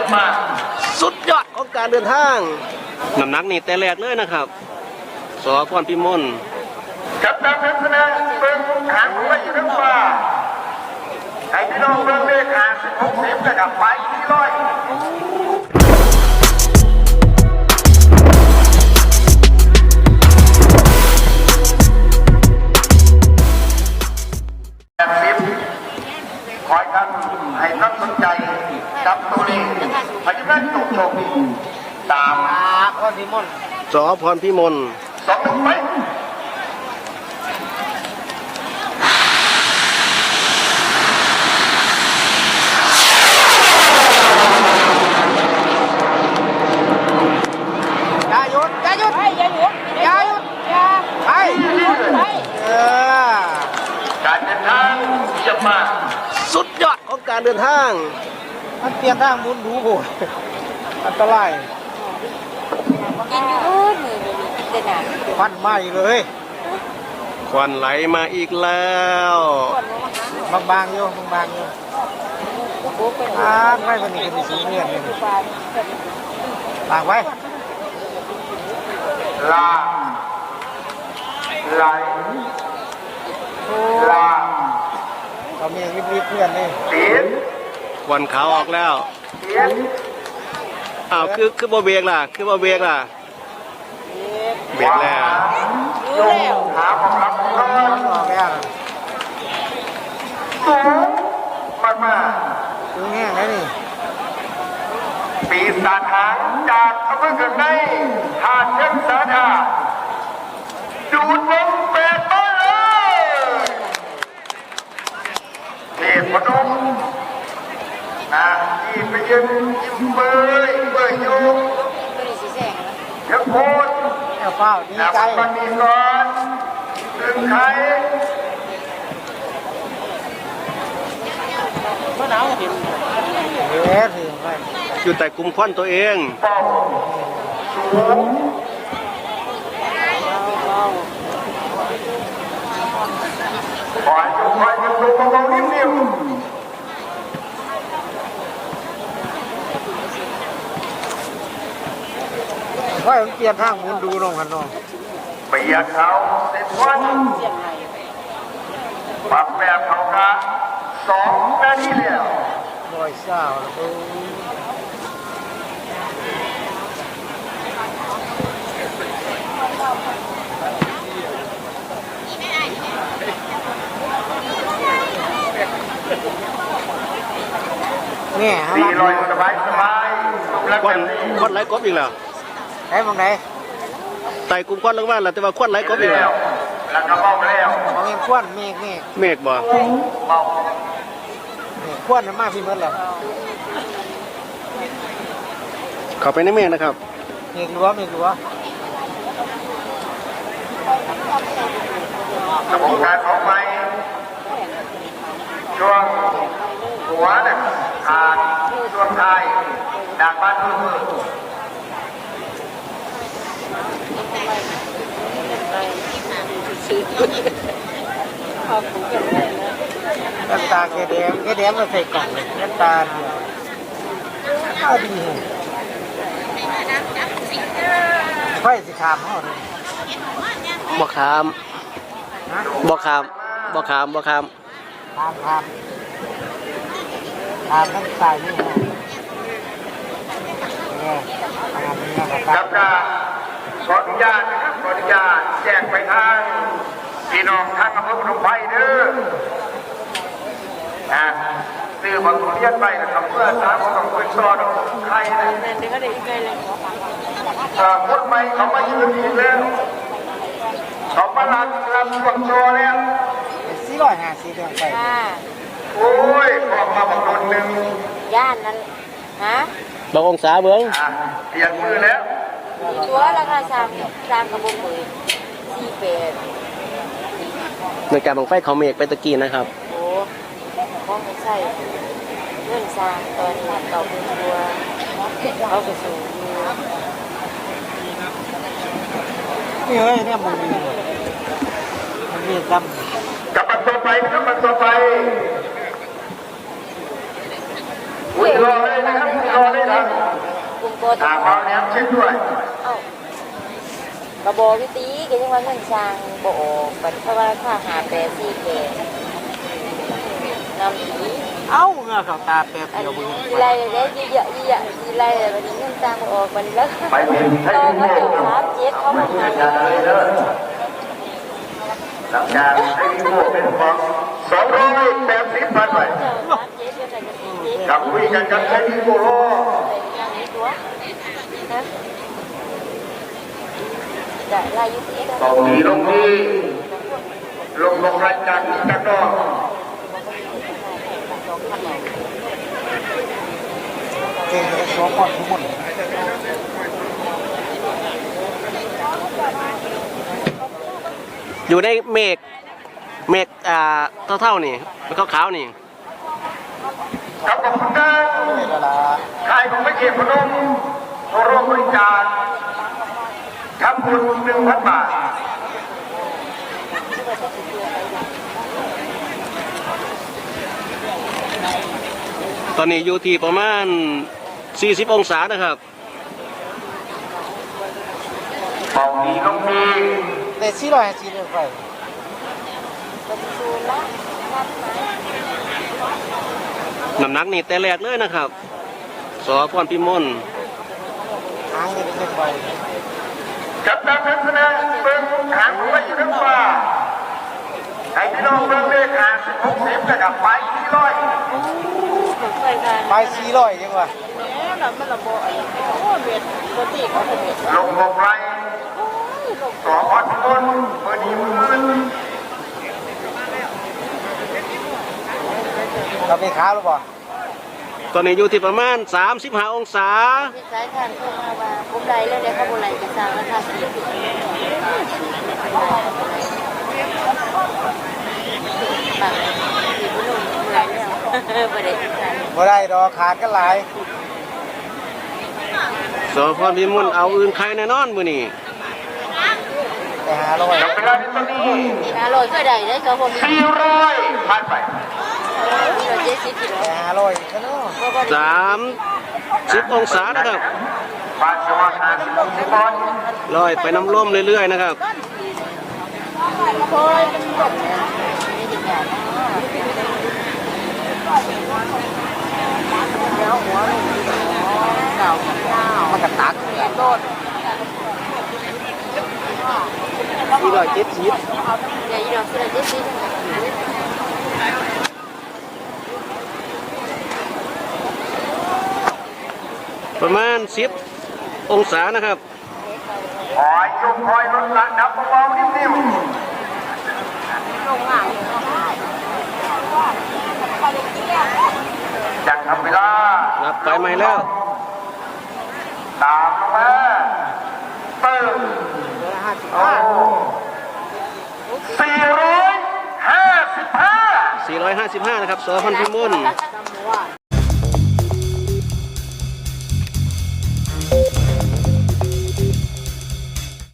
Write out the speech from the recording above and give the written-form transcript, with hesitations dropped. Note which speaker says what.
Speaker 1: ยมมากสุดยอดของการเดินทางน้ำหนักนี่แต่แรกเลยนะครับสพรพิมล
Speaker 2: จับตาเป็นคะแนนเป็นหางหัวอยู่ทั้งฟ้าไอ้พี่น้องเบิ่งเลขหาง60นะครับไปที่ร้อยคอยกันให้นักสนใจจับตัวนี้พยาบาลตกลงตามพรพิมล
Speaker 1: สพรพิมล
Speaker 2: 2-1ไปการเดินทางเยี่ยมมาก
Speaker 1: สุดยอดของการเดินทาง
Speaker 3: มันเปลี่ยนทางมุนดูโหอันตราย
Speaker 4: กินอยู่มือเด่นอ่ะ
Speaker 3: ควันไหม้เลย
Speaker 1: ควันไหลมาอีกแล้ว
Speaker 3: บางๆอยู่บางๆอยู่ไม่คนนี้ก็มีสีเงียบเลยตากไว้
Speaker 2: ลาไหลลา
Speaker 3: เขามีรีบๆเพื่อนนี่
Speaker 2: เสียน
Speaker 1: ควันขาวออกแล้ว
Speaker 2: เสียน
Speaker 1: อ้าวคือบ่เบรกล่ะคือบ่เบรกล่ะเบรกแล้ว
Speaker 4: รู้แล้ว
Speaker 2: หาของรับก่อน
Speaker 3: ออกแล้ว
Speaker 2: สูงมาก
Speaker 3: ดูแห้งแล้วนี่
Speaker 2: ปีศาจหางจากอำเภอเกิดในหาดเชิงสาธาดูดลมแปดมาเลยเทพนมที่ไปยืนยิ้มเบยอยู่เดี๋ยวโคตร
Speaker 3: เฝ้าดีใจ
Speaker 2: มันมีก่อนถึงใคร
Speaker 3: เมื่อหนาวเห็น
Speaker 1: อยู่แต่กลุ่มควันตัวเอง
Speaker 2: เป้าสูงคอยดูเบาๆนิ่ม
Speaker 3: ว่าเปลี่ยนทางมุนดูน้องกันน้อง
Speaker 2: เบียดเขาเสร็จวันปรับแบบเขากะ2 นาทีแล้ว
Speaker 3: ร้อยเศร้าเนี่ย
Speaker 2: 400สบาย
Speaker 1: ควันไหลกบอีกแล้ว
Speaker 3: ไอ้มองไหน
Speaker 1: ไต่กลุ่มควันลงมาแล้วแต่ว่าควันไหลกบอีกแล้ว
Speaker 2: แล้วก็เบาแล้ว
Speaker 3: มองเห็นควันเมฆ
Speaker 1: บ่
Speaker 2: เบา
Speaker 3: ควันมากพี่เมื่อไหร่
Speaker 1: เข้าไปในเมฆนะครับ
Speaker 3: เมฆรั้ว
Speaker 2: กระบวนการของไม้ช่วงหัวเนี่ยขาดช่วงท้ายดักบ้านมือ
Speaker 3: น้ำตาแกแดงมาใส่กล่องเลยน้ำตาดีไฟสีขามเขาเลย
Speaker 1: บ่ขาม
Speaker 3: นั่งตายนี่
Speaker 2: ครับขออนุญาตนะครับขออนุญาตแจ้งไปทางพี่น้องทางอำเภอพนมไพรเด้อซื้อบางคนเรียนไปนะครับเพื่อสามารถต้องเป็นซอดใครนะคนใหม่เขามายืนอีกแล้วเขามาลันช่วงโชว์แล้ว
Speaker 3: 450เดือนไป
Speaker 2: โอ้ยขอมาบักโดนหนึ่ง
Speaker 4: ย่านนั้นฮะ
Speaker 1: บางองศาเบื้อง
Speaker 2: เปลี่ยนมือแล้ว
Speaker 4: ตัวราคา3กระบอกมือ48
Speaker 1: ในการบังไฟเขาเมฆไปตะกี้นะครับ
Speaker 4: โอ้ของใช่เรื่องสร้างตอนนี้เราเป็นตัวเขาไปสู่
Speaker 3: นี่เฮ้ยเนี่ยมันมีด
Speaker 2: ำกับมันต่อไปนะครับมันต่อไปรอเลยนะครับรอเลยนะทางเราเนี้ยเช็คด้วย
Speaker 4: เอ้ากระบอกวิตีก็ยังว่าเงินสร้างบ่ออกบัดเพราะว่าค่าหาแปรซี่แกนำผี
Speaker 3: เอ้าเงาเขาตาแป๊บ
Speaker 4: อัน
Speaker 3: เดียวมึง
Speaker 4: นี้ไล่เลยเยอะๆไล่เลยวันนี้เงินสร้างบ่ออกมันแล้ว
Speaker 2: ไปเป็นให้
Speaker 4: ตอน
Speaker 2: ที่
Speaker 4: เขา
Speaker 2: โม่
Speaker 4: เดี๋ยว3 7เขามา
Speaker 2: เพื่
Speaker 4: หา
Speaker 2: อจะได้เลิศหลังจากให้ที่โม่เป็นของ280 บาทไป
Speaker 4: เจ้า3 7ก็ใส่จะ4 7
Speaker 2: กับคุยกันกับให้ที่โม่รอ
Speaker 4: ใส่อย่างนี้ตัวนะได้ไล่อยู่ที่
Speaker 2: ตรงนี้ลงที่ลงรายการอีกจังนอก
Speaker 3: เก่งกับสองคนทุกคน
Speaker 1: อยู่ในเมฆเท่าๆนี่แล้วก็ขาวๆนี่
Speaker 2: ครับขอบคุณนะ
Speaker 3: เวลา
Speaker 2: ใครของไม่เขตพนมร่วมบริจาคทำบุญ1,000 บาท
Speaker 1: ตอนนี้อยู่ที่ประมาณ40องศานะครับ
Speaker 2: เป่าดีลงดี
Speaker 3: แต่450เลยไป
Speaker 1: น้ำหนักนี่แต่แรกเลยนะครับสอพรพิมล
Speaker 3: ทางนี่เป็นไป
Speaker 2: กับตามทัศนะเบิ้งหางของไม่อยู่ทั้งฟ้าให้พี่น้องเบิ้งเลขหาง60นะครับไปที่ร้อย
Speaker 3: ไป400ยังวะ
Speaker 2: ลง6 ไรสอพรพิมลเมื่อดีมือ
Speaker 3: เราไปค้าหรือเปล่า
Speaker 1: ตอนนี้อยู่ที่ประมาณ35องศา
Speaker 4: ที่สายทานเข้ามาว่าผมได้แล้วเนี่ยเขาบุไรจะสร้างแล้วค่ะปังสีบุญลงเมื่อยแล้วประเด็น
Speaker 3: บ่ได้ดอกขาดกันหลาย
Speaker 1: สอพรพิมลเอาอื่นใครแน่นอนมื้อนี้
Speaker 3: ไปหาร้อย
Speaker 2: กับเวลาที่ตอนนี้
Speaker 4: มีนาลอยก็ได้ได้ก็ผมมี
Speaker 2: 400ผ่านไป
Speaker 4: เรา70 กิโล
Speaker 3: ไปหาร้อยกันเนาะ
Speaker 1: 30องศานะครับ
Speaker 2: บาทสวัสดิ์50 บาท
Speaker 1: ลอยไปน้ำร่มเรื่อยๆนะครับ
Speaker 4: โอ้ยเป็นแบบนี้ไม่ติดยาแล้วหัวลงเก่ามันกระตักเนี่ยโดด
Speaker 3: 470
Speaker 4: เดี๋ยวอีดอกคือเรา70
Speaker 1: ประมาณ10องศานะครับ
Speaker 2: คอยยกคอยลดระดับเบาๆนิ่ม
Speaker 4: ลงอ่าง
Speaker 2: ๆจังทำเวลา
Speaker 1: รับไปใหม่แล้ว
Speaker 2: ตามลงมาเติมโอ้455
Speaker 1: 455นะครับสอพรพิมล